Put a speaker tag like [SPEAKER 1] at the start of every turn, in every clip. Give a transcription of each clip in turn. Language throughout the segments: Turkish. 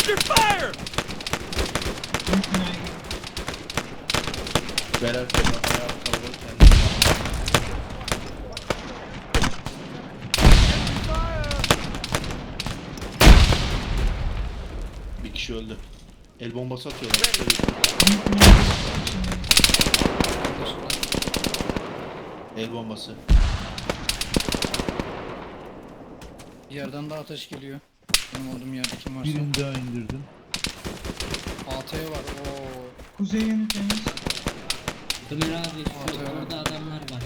[SPEAKER 1] Under fire!
[SPEAKER 2] Berat ayağı kalabalık kendisi. Bir kişi öldü. El bombası atıyorlar. El bombası.
[SPEAKER 3] Bir yerden daha ateş geliyor. Benim olduğum yerde kim varsa.
[SPEAKER 4] Birini daha indirdim.
[SPEAKER 3] AT var. Oo.
[SPEAKER 5] Kuzey yönü temiz.
[SPEAKER 6] Ömer abi şu
[SPEAKER 3] Atıyorum.
[SPEAKER 6] orada adamlar var.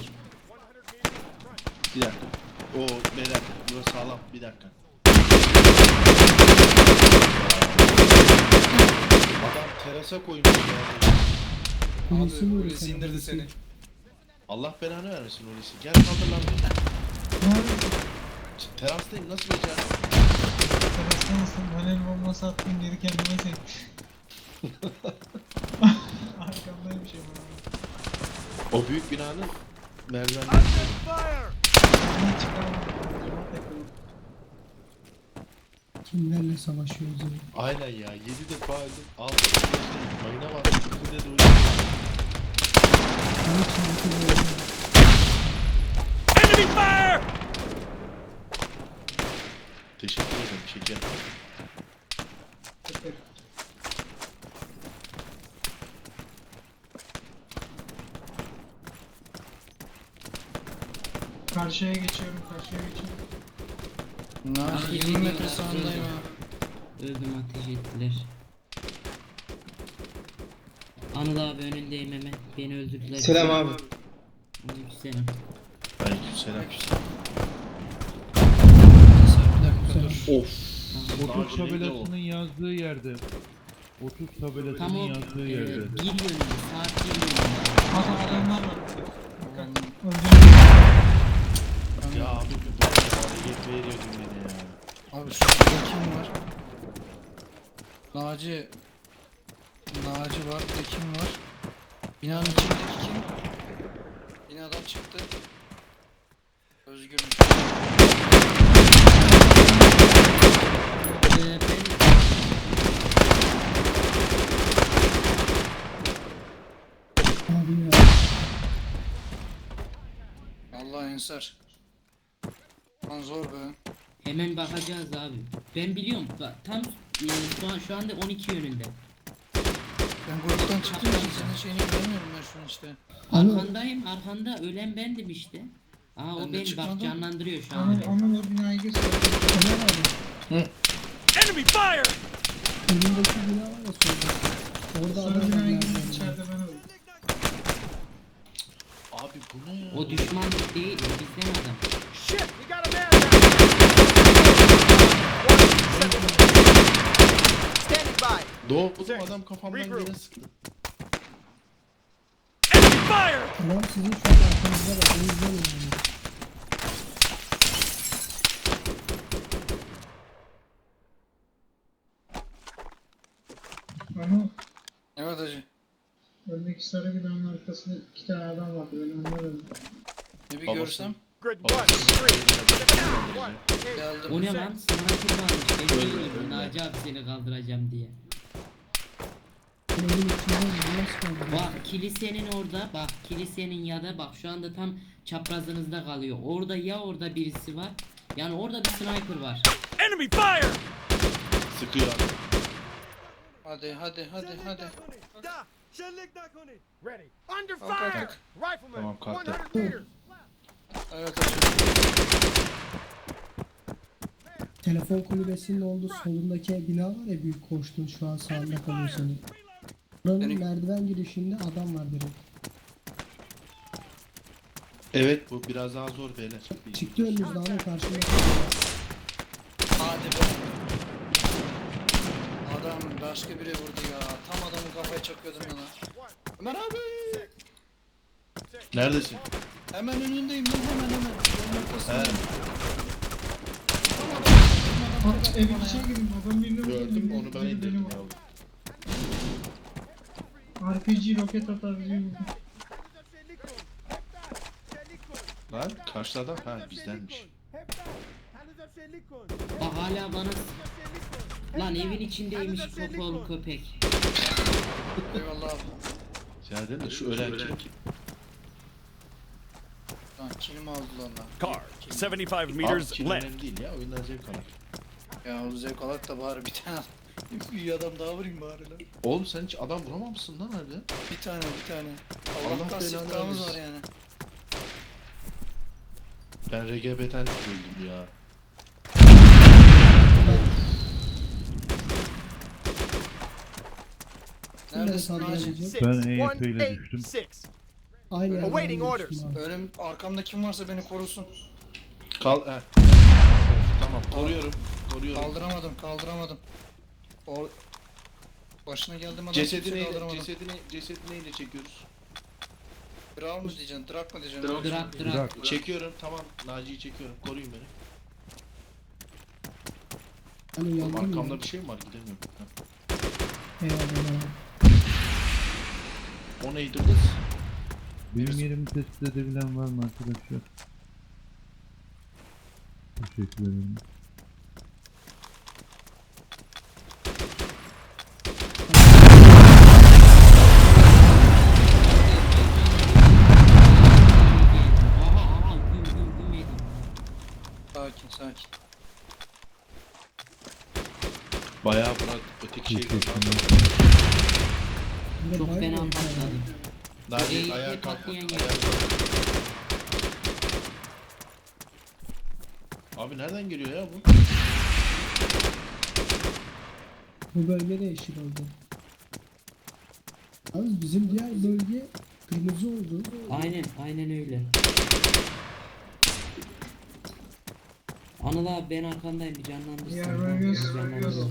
[SPEAKER 2] Bir dakika. Oo beyler burası sağlam. Bir dakika. Adam terasa koymuş ya.
[SPEAKER 3] Abi Hulusi indirdi seni.
[SPEAKER 2] Allah belanı vermesin Hulusi. Gel kaldır lan.
[SPEAKER 5] Nerede?
[SPEAKER 2] Terastayım nasıl becerdin?
[SPEAKER 5] Terasta mısın? Ben el bombası attım geri kendime çekmiş. Arkamdaymış ama.
[SPEAKER 2] O büyük binanın merdivenleri.
[SPEAKER 1] Fire!
[SPEAKER 5] Ben çıkaramadım. Cama takıldım.
[SPEAKER 7] Kimlerle savaşıyoruz ya?
[SPEAKER 2] Aynen ya. 7 defa öldüm. 6 defa öldüm. Mayına bak. Üstünde de uyuyor.
[SPEAKER 7] Bana çarpı böyle.
[SPEAKER 1] Enemy fire!
[SPEAKER 2] Teşekkür ederim. Şeker.
[SPEAKER 5] Süper. Karşıya geçiyorum, karşıya geçiyorum.
[SPEAKER 3] Nerede? 20 metre sağındayım ha.
[SPEAKER 6] Öldüm, ateş ettiler. Anıl abi önündeyim hemen. Beni öldürdüler.
[SPEAKER 7] Selam abi.
[SPEAKER 6] Aleykümselam.
[SPEAKER 2] Aleykümselam.
[SPEAKER 3] Bir dakika dur.
[SPEAKER 2] Of.
[SPEAKER 4] 30 tabelasının yazdığı yerde. 30
[SPEAKER 6] Tam
[SPEAKER 4] tabelasının
[SPEAKER 6] o
[SPEAKER 4] yazdığı
[SPEAKER 6] bir
[SPEAKER 4] yerde.
[SPEAKER 6] yönünde, saat bir yönünde.
[SPEAKER 5] Adamlar var. Dikkat. Öldürün.
[SPEAKER 2] Ya abi bu hareket veriyordun beni ya.
[SPEAKER 3] Abi şurada kim var? Naci var. Bir de kim var? Binanın içindeki kim? Binadan çıktı. Özgürmüş.
[SPEAKER 6] Ben
[SPEAKER 7] Abi ya.
[SPEAKER 3] Allah Ensar. Lan zor be.
[SPEAKER 6] hemen bakacağız abi. Ben biliyorum. Tam şu anda 12 yönünde.
[SPEAKER 3] Ben gruptan çıktım için senin şeyini göremiyorum ben şu an işte.
[SPEAKER 6] Arkandayım, arkanda ölen bendim işte. Aa o
[SPEAKER 3] Ben de
[SPEAKER 6] beni bak
[SPEAKER 3] çıkmadım.
[SPEAKER 6] canlandırıyor şu an.
[SPEAKER 5] Onu o binayı göster.
[SPEAKER 7] Ömer abi.
[SPEAKER 1] Enemy fire!
[SPEAKER 7] Önündeki bina var ya solda. Orada
[SPEAKER 5] Sonra
[SPEAKER 7] adam var.
[SPEAKER 5] binaya girdim,
[SPEAKER 7] nereden?
[SPEAKER 5] içeride ben öldüm.
[SPEAKER 2] Abi bu ne ya?
[SPEAKER 6] O düşmanlık değil, o bizden adam.
[SPEAKER 1] Shit, we got a man down! Standing by!
[SPEAKER 2] Doğdum adam kafamdan
[SPEAKER 1] Regroup.
[SPEAKER 2] yere sıktı.
[SPEAKER 1] Enemy fire!
[SPEAKER 7] Tamam sizin şu an arkanızda var. O yüzden öldüm.
[SPEAKER 5] Ama
[SPEAKER 3] Evet hacı.
[SPEAKER 5] öndeki sarı binanın arkasında 2 tane adam vardı. Ben onları öldüm.
[SPEAKER 3] Ne bir
[SPEAKER 2] Babası.
[SPEAKER 3] görsem.
[SPEAKER 1] Grid
[SPEAKER 2] Baba.
[SPEAKER 1] 1, 3, one.
[SPEAKER 3] Geldim.
[SPEAKER 6] O ne lan? Sniper varmış. Ben
[SPEAKER 2] Öyle,
[SPEAKER 6] değilim.
[SPEAKER 2] öyle.
[SPEAKER 6] Naci abi seni kaldıracağım diye.
[SPEAKER 7] Evin içinden nasıl kaldı?
[SPEAKER 6] Bak kilisenin orada, bak kilisenin ya da bak şu anda tam çaprazınızda kalıyor. Orada ya orada birisi var. Yani orada bir sniper var.
[SPEAKER 1] Enemy fire!
[SPEAKER 2] Sıkıyor.
[SPEAKER 3] Hadi.
[SPEAKER 1] Da! Shellik Dakuni! Ready. Under
[SPEAKER 3] Kalk,
[SPEAKER 1] fire!
[SPEAKER 3] kalk.
[SPEAKER 1] Rifleman!
[SPEAKER 2] Tamam, kalktı.
[SPEAKER 1] 100 meters!
[SPEAKER 3] Evet hacı.
[SPEAKER 7] Telefon kulübesinin olduğu solundaki bina var ya, büyük koştuğun şu an sağında kalıyor senin. Buranın
[SPEAKER 3] Benim-
[SPEAKER 7] merdiven girişinde adam var direkt.
[SPEAKER 2] Evet bu biraz daha zor beyler.
[SPEAKER 7] Çıktı önünüzde ama karşımda.
[SPEAKER 3] Hadi be. Adam başka biri vurdu ya. Tam adamın kafaya çakıyordum ya lan. Ömer abi.
[SPEAKER 2] Neredesin?
[SPEAKER 3] Hemen önündeyim lan hemen. Yolun ortasındayım.
[SPEAKER 5] Aa, evin içine girdim. Adam birini vurdu.
[SPEAKER 2] Gördüm onu ben
[SPEAKER 5] biri
[SPEAKER 2] indirdim
[SPEAKER 5] beni
[SPEAKER 2] ya.
[SPEAKER 5] vurdu. RPG roket atar bizi vurdu.
[SPEAKER 2] Lan karşı adam ha bizdenmiş.
[SPEAKER 6] Bak hala bana Lan evin içindeymiş kapalı köpek.
[SPEAKER 8] Eyvallah abi.
[SPEAKER 2] Serdar da şu ölen kim?
[SPEAKER 8] Lan kilimi aldılar lan.
[SPEAKER 1] Car, 75
[SPEAKER 2] Abi
[SPEAKER 1] meters
[SPEAKER 2] kim
[SPEAKER 1] left.
[SPEAKER 2] önemli değil ya, oyundan zevk alır.
[SPEAKER 8] Ya o zevk alak da bari bir tane bir adam daha vurayım bari lan.
[SPEAKER 2] Oğlum sen hiç adam vuramamışsın lan harbiden.
[SPEAKER 8] Bir tane.
[SPEAKER 2] Allah
[SPEAKER 8] Allah'tan
[SPEAKER 2] belanı
[SPEAKER 8] siftahımız
[SPEAKER 2] versin.
[SPEAKER 8] var yani.
[SPEAKER 2] Ben RGB'ten öldüm ya.
[SPEAKER 8] Neredesin
[SPEAKER 7] Nerede
[SPEAKER 8] Naci?
[SPEAKER 7] sadece?
[SPEAKER 4] Ben EYP ile düştüm.
[SPEAKER 1] 186.
[SPEAKER 7] Aynı yerden
[SPEAKER 1] Awaiting
[SPEAKER 7] düştüm
[SPEAKER 1] orders.
[SPEAKER 7] abi.
[SPEAKER 8] Önüm arkamda kim varsa beni korusun.
[SPEAKER 2] Kal he. Tamam koruyorum.
[SPEAKER 8] Kaldıramadım. O başına geldim adam
[SPEAKER 2] Cesedini
[SPEAKER 8] kaldıramadım.
[SPEAKER 2] cesedini neyle çekiyoruz?
[SPEAKER 8] Drak mı diyeceksin? Drak mı diyeceksin?
[SPEAKER 6] Drak.
[SPEAKER 4] Bırak.
[SPEAKER 2] Çekiyorum tamam. Naci'yi çekiyorum. Koruyun beni.
[SPEAKER 7] Hani
[SPEAKER 2] Oğlum,
[SPEAKER 7] yandım ya.
[SPEAKER 2] arkamda bir şey mi var? Gidemiyorum. Ha.
[SPEAKER 7] Eyvallah.
[SPEAKER 2] O neydi kız?
[SPEAKER 4] Benim yerimi tespit edebilen var mı arkadaşlar? Teşekkür ederim.
[SPEAKER 6] Aha güm yedim.
[SPEAKER 8] Sakin.
[SPEAKER 2] Bayağı bırak öteki şey.
[SPEAKER 4] Teşekkürler.
[SPEAKER 7] Bir de
[SPEAKER 6] Çok
[SPEAKER 7] bayağı
[SPEAKER 6] fena
[SPEAKER 7] bir-
[SPEAKER 6] patladım.
[SPEAKER 2] Naci
[SPEAKER 6] Eğilip
[SPEAKER 2] ayağa kalk.
[SPEAKER 6] patlayan
[SPEAKER 2] Ayağa
[SPEAKER 6] yer.
[SPEAKER 2] kalk. Abi nereden geliyor ya bu?
[SPEAKER 7] Bu bölge de yeşil oldu. Abi bizim diğer bölge kırmızı oldu.
[SPEAKER 6] Aynen öyle. Anıl abi ben arkandayım bir canlandırsın.
[SPEAKER 5] Ya, bölgesi,
[SPEAKER 6] Canlandır.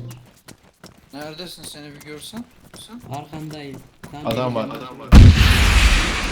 [SPEAKER 8] Neredesin seni bir görsem?
[SPEAKER 6] Arkandayım. Tam
[SPEAKER 2] Adam var.
[SPEAKER 6] benim yanımda.